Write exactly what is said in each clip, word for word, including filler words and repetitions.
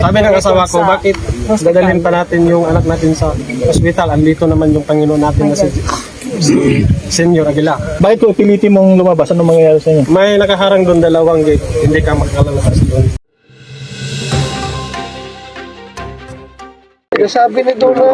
Sabi ng asawa ko, bakit dadalhin pa natin yung anak natin sa ospital? Andito naman yung Panginoon natin na si, si Senyor Aguila. Bakit ko pilitin mong lumabas? Anong mangyayari sa inyo? May nakaharang doon dalawang gate, hindi ka makakalabas doon. Sabi nito na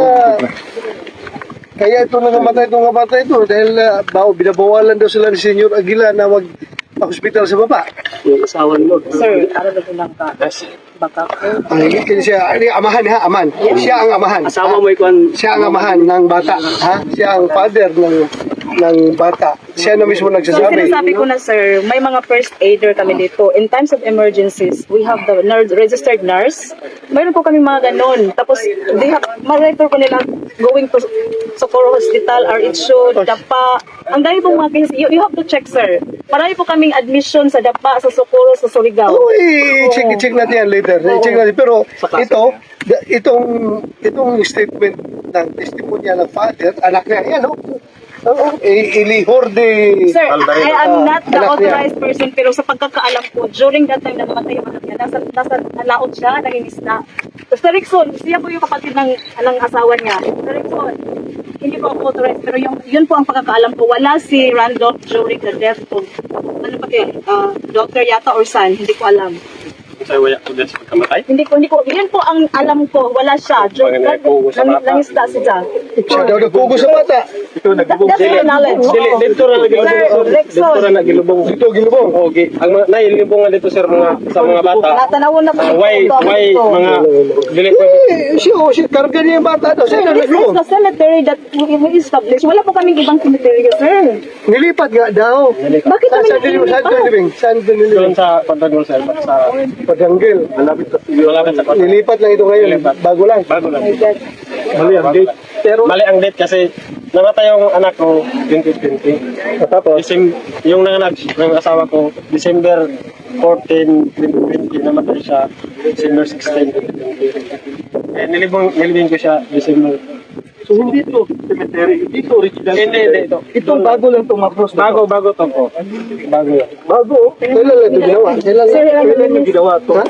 kaya ito na namatay itong kabatay ito dahil uh, baw, binabawalan daw sila ni Senyor Aguila na mag hospital sa baba. Yung asawa mo. Sir, ano na po lang ka? Baka po. Ang higit din siya, ano, amahan ha, aman. Siya ang amahan. Asawa mo ikuan. Siya ang amahan ng bata. Ha? Siya ang father ng ng bata. Siya na mismo So, nagsasabi. sinasabi ko na, sir, may mga first aider kami dito. In times of emergencies, we have the nurse, registered nurse. Mayroon po kami mga ganon. Tapos, they have, ma-refer ko nila going to Socorro Hospital, R H O, Dapa. Ang dami pong mga cases. You, you have to check, sir. Marami po kaming admission sa Dapa, sa Socorro, sa Surigao. Oo, i-check, i-check natin yan later. I-check natin. Pero ito, da- itong itong statement ng testimonya ng father, anak niya, yan o. Oo, i- ilihor de... Sir, I am not the anak niya. authorized person, pero sa pagkakaalam ko, during that time na namatay yung anak niya, nasa, nasa laot siya, nangingisda. So, sa Rickson, siya po yung kapatid ng, ng asawa niya. Sa Rickson, hindi po ako authorized, pero yung, yun po ang pagkakaalam ko. Wala si Randolph during the death of, ano pa kayo, uh, doctor yata or son, hindi ko alam. Sa waya ko din sa pagkamatay. Hindi ko, hindi ko, yun po ang alam ko, wala siya. During that, nang, nangisda siya. Siya daw nagpugo sa bata. Ito That, that's my knowledge. Dili, dito ra nagilubong. Sir, Rickson. Dito ra nagilubong. Dito, ginubong. Okay. Ang mga nailubongan dito sir mga sa mga bata. Natanawon na po. Uh, why why mga dili ko Eh, siya, oh, siya, karga niya yung bata daw. Sir, Siya na this is naglubong. the cemetery that we established. Wala po kaming ibang cemetery, sir. Nilipat nga daw. Bakit kami Saan din saan din living? Saan din doon living? sa Pantagol sir sa Padanggil. malapit sa malapit sa Pantagol. Nilipat lang ito ngayon. Bago lang. Bago lang. Oh my God. Mali ang date. Pero mali ang date kasi namatay yung anak ko twenty twenty. Tapos December, yung nanganak ng asawa ko December fourteen, twenty twenty namatay siya December sixteen, twenty twenty. Eh nilibong nilibing ko siya December. So hindi ito cemetery. Dito original. Hindi, hindi ito. Ito bago lang itong macros. Bago bago to po. Bago yan. Bago. Kailan lang ito ginawa? Kailan lang? Sir, ano Kailan yun? ito ginawa ito? Ha?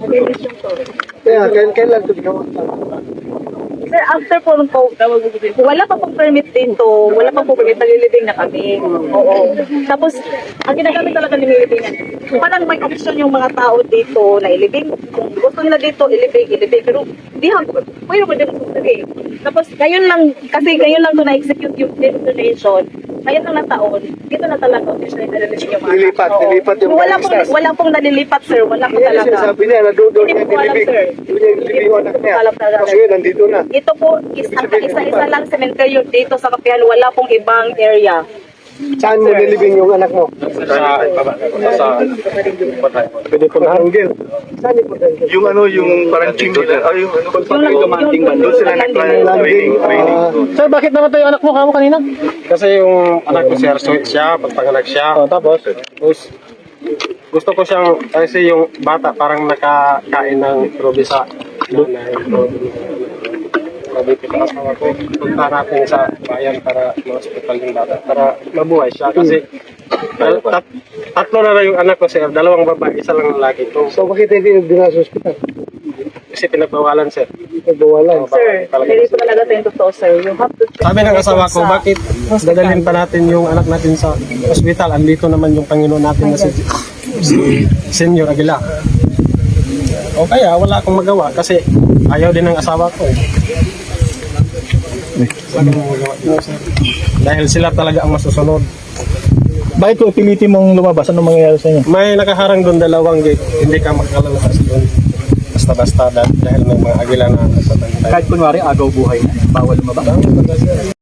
Kaya kailan kailan ito ginawa? Sir, after po nung po, wala pa pong permit dito. Wala pa pong permit. Nalilibing na kami. Oo. Tapos, ang ginagamit talaga ng nililibingan. Parang may option yung mga tao dito na ilibing. Kung gusto nila dito, ilibing, ilibing. Pero, di ha, pwede mo din ilibing. Tapos, ngayon lang, kasi ngayon lang ito na-execute yung donation. Ngayon lang na taon, dito na talaga officially nalilibing yung mga Nilipat, Oo. nilipat yung wala mga pong, extras. wala pong nalilipat, sir. Wala po Yan talaga. sinasabi niya na doon doon Hindi niya ko alam, nilibing. sir. Doon niya nilibing yung anak niya. Alam talaga. Kasi yun, nandito na. Ito po, is, ang isa-isa lang sementeryo dito sa Kapihan, wala pong ibang area. Saan mo nilibing yung anak mo? Sa baba sa Pwede ko Padanggil. Saan yung Padanggil? Yung ano, yung parang ching nila, ay yung ano, Yung lang, commanding man, doon sila landing. Landing. ah, Sir, bakit namatay yung anak mo kamo kanina? kasi yung anak ko sir sweet siya pagpanganak siya. Oh, tapos? Tapos, gusto ko siyang, kasi yung bata parang nakakain ng probi sa nanay. Sabi ko sa asawa ko, punta natin sa bayan para ma-hospital yung bata, para mabuhay siya. Kasi tat, tat- tatlo na lang yung anak ko sir, dalawang babae, isa lang lalaki. Ito, So bakit hindi dinala sa ospital? kasi pinagbawalan sir. Nagbawalan. Sir, hindi po talaga ito yung totoo, sir. You have to check. Sabi ng asawa ko, sa- bakit dadalhin pa natin yung anak natin sa ospital? Andito naman yung Panginoon natin na si, si Senyor Aguila. O kaya, wala akong magawa kasi ayaw din ng asawa ko. Eh. Wala akong magawa din, sir. Dahil sila talaga ang masusunod. Bakit ko pilitin mong lumabas? Anong mangyayari sa inyo? May nakaharang doon dalawang gate, hindi ka makakalabas doon. Basta-basta dahil may mga agila na nasa bantay. Kahit kunwari agaw buhay na, bawal lumabas.